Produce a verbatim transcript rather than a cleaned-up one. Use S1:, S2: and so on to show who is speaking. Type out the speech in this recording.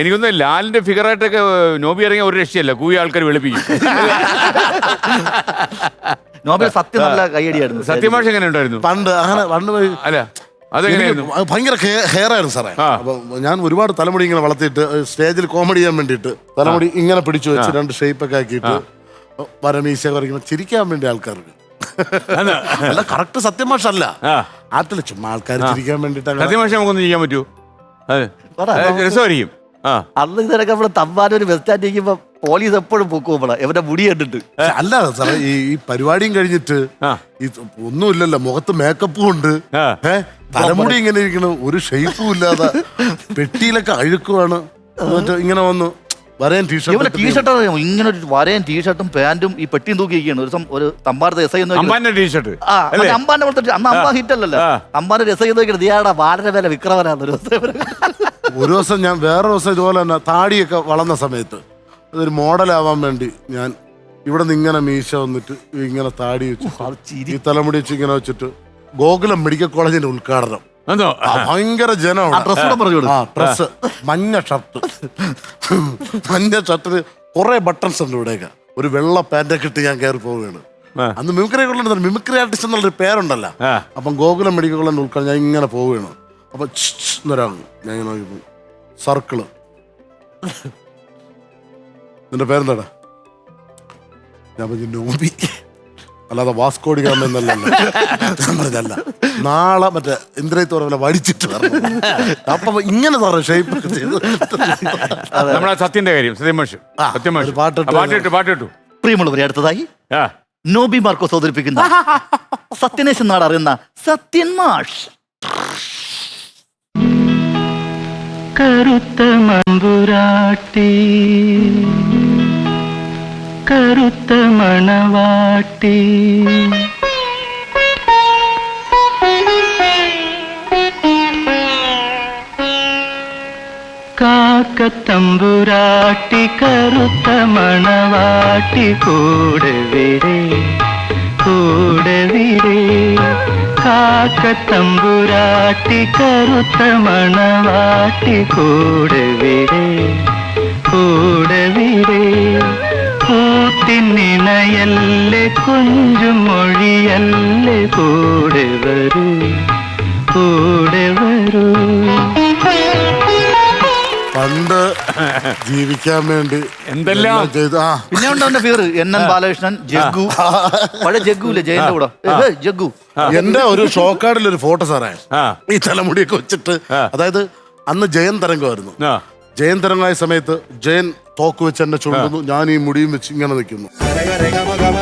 S1: എനിക്കൊന്ന് ലാലിന്റെ ഫിഗറായിട്ടൊക്കെ നോബി ഇറങ്ങിയ ഒരു രക്ഷയല്ല, കൂവി ആൾക്കാർ വെളുപ്പിക്കും.
S2: നോബിൽ സത്യം നല്ല കൈയടിയായിരുന്നു.
S1: സത്യമാഷ് എങ്ങനെ ഉണ്ടായിരുന്നു
S3: പണ്ട്? അങ്ങനെ പണ്ട്
S1: അല്ല അതെങ്ങനെയായിരുന്നു?
S3: ഭയങ്കര ഹെയർ ആയിരുന്നു സാറേ. അപ്പൊ ഞാൻ ഒരുപാട് തലമുടി ഇങ്ങനെ വളർത്തിയിട്ട് സ്റ്റേജിൽ കോമഡി ചെയ്യാൻ വേണ്ടിയിട്ട് തലമുടി ഇങ്ങനെ പിടിച്ചു വെച്ച് രണ്ട് ഷേപ്പൊക്കെ ആക്കിയിട്ട് വരമീശ കുറയ്ക്കുമ്പോൾ ചിരിക്കാൻ വേണ്ടി ആൾക്കാർക്ക്. അല്ല, കറക്റ്റ് സത്യമാഷല്ല, ആട്ടില് ചുമ്മാ ആൾക്കാർ ചിരിക്കാൻ വേണ്ടിട്ട്.
S1: സത്യമാഷ നമുക്കൊന്നും ചെയ്യാൻ പറ്റൂ? രസമായിരിക്കും.
S2: അന്ന് ഇതിനൊക്കെ നമ്മള് തമ്പാനൊരു ബസ് സ്റ്റാൻഡ് ഇരിക്കുമ്പോ പോലീസ് എപ്പോഴും പൊക്കുമ്പോഴാ എവരുടെ മുടി കണ്ടിട്ട്.
S3: അല്ല സാറേ, ഈ ഈ പരിപാടിയും കഴിഞ്ഞിട്ട് ഈ ഒന്നുമില്ലല്ലോ, മുഖത്ത് മേക്കപ്പും ഉണ്ട്, ഏഹ് തലമുടി ഇങ്ങനെ ഇരിക്കണം, ഒരു ഷേപ്പും ഇല്ലാതെ പെട്ടിയിലൊക്കെ അഴുക്കുവാണ്. എന്നിട്ട് ഇങ്ങനെ വന്നു വരയൻ ടീഷർട്ട്
S2: ടീഷർട്ട് ഇങ്ങനെ ഒരു വരയൻ ടീഷർട്ടും പാന്റും ഈ പെട്ടിയും തൂക്കിയിരിക്കുകയാണ്. ഒരു ഒരു തമ്പാനത്തെ എസ് ഐ
S1: ടീഷർട്ട്
S2: അമ്പാന്റെ പോലത്തെ അന്ന് അമ്പാ ഹിറ്റ് അല്ലല്ലോ. അമ്പാന്റെ എസ് ഐ നോക്കിയിട്ട് ദിയാടാ വളരെ വില വിക്രമനാണ്. ഒരു
S3: ഒരു ദിവസം ഞാൻ വേറെ ദിവസം ഇതുപോലെ തന്നെ താടിയൊക്കെ വളർന്ന സമയത്ത് അതൊരു മോഡലാവാൻ വേണ്ടി ഞാൻ ഇവിടെ നിന്ന് ഇങ്ങനെ മീശ വന്നിട്ട് ഇങ്ങനെ താടി വെച്ച് ഈ തലമുടി വെച്ച് ഇങ്ങനെ വെച്ചിട്ട് ഗോകുലം മെഡിക്കൽ കോളേജിന്റെ ഉദ്ഘാടനം. ഭയങ്കര ജനമാണ്. ഡ്രസ് മഞ്ഞ ഷർട്ട്, മഞ്ഞ ഷർട്ടിന് കുറെ ബട്ടൺസ് ഉണ്ട് ഇവിടെയൊക്കെ. ഒരു വെള്ള പാൻറ്റൊക്കെ ഇട്ട് ഞാൻ കയറി പോവുകയാണ്. അന്ന് മിമിക്രി കൊള്ളുന്ന മിമിക്രി ആർട്ടിസ്റ്റ് എന്നുള്ളൊരു പേരുണ്ടല്ലോ. അപ്പം ഗോകുലം മെഡിക്കൽ കോളേജിന്റെ ഉദ്ഘാടനം ഞാൻ ഇങ്ങനെ പോവുകയാണ്. അപ്പൊ എന്നൊരാൾ ഞാൻ ഇങ്ങനെ നോക്കിപ്പോ സർക്കിള്, നിന്റെ പേരെന്താടാ? ഞാൻ പറഞ്ഞു നോബി, അല്ലാതെ വാസ്കോഡി ഗാമ എന്നല്ലല്ലോ. ഞാൻ പറഞ്ഞല്ല, നാളെ മറ്റേ ഇന്ദ്രയത്തോറ വടിച്ചിട്ട് വരണം. അപ്പൊ ഇങ്ങനെ സാറേ ഷേപ്പ് ചെയ്ത്
S1: നമ്മളെ സത്യന്റെ കാര്യം സത്യമാഷ് സത്യമാഷ് പാട്ടിട്ട് പാട്ടിട്ടു പാട്ടിട്ടു
S2: പ്രിയമുള്ളവരെ, അടുത്തതായി നോബി മാർക്കോസ് അവതരിപ്പിക്കുന്ന സത്യനേശൻ നാട് അറിയുന്ന സത്യൻ മാഷ്.
S4: കറുത്ത മമ്പുരാട്ടി കറുത്ത മണവാട്ടി കാക്കത്തമ്പുരാട്ടി കറുത്ത മണവാട്ടി കൂടെ വിടേ കൂടെ വിടേ കാക്കത്തമ്പുരാട്ടി കറുത്ത മണവാട്ടി കൂടെ വിടേ കൂടെ വിടേ കൂട്ടിനിണയല്ലേ കൊഞ്ചും മൊഴിയല്ലേ കൂടെ വരൂ കൂടെ വരൂ.
S3: പണ്ട് ജീവിക്കാൻ വേണ്ടി
S1: എന്തെല്ലാം
S3: ചെയ്തു. ആ
S2: പിന്നെ ഉണ്ട് അവന്റെ പേര് എൻ എൻ ബാലകൃഷ്ണൻ, ജഗ്ഗു, പഴയ ജഗ്ഗുല്ലേ ജയന്റെ കൂടെ ജഗ്ഗു.
S3: എന്റെ ഒരു ഷോക്കാർഡിൽ ഒരു ഫോട്ടോ സാറേ, ഈ തലമുടിയൊക്കെ വെച്ചിട്ട്. അതായത് അന്ന് ജയൻ തരംഗമായിരുന്നു. ജയൻ തരംഗമായ സമയത്ത് ജയൻ തോക്ക് വെച്ച് എന്നെ ചുണ്ടുന്നു, ഞാൻ ഈ മുടിയും വെച്ച് ഇങ്ങനെ നിൽക്കുന്നു.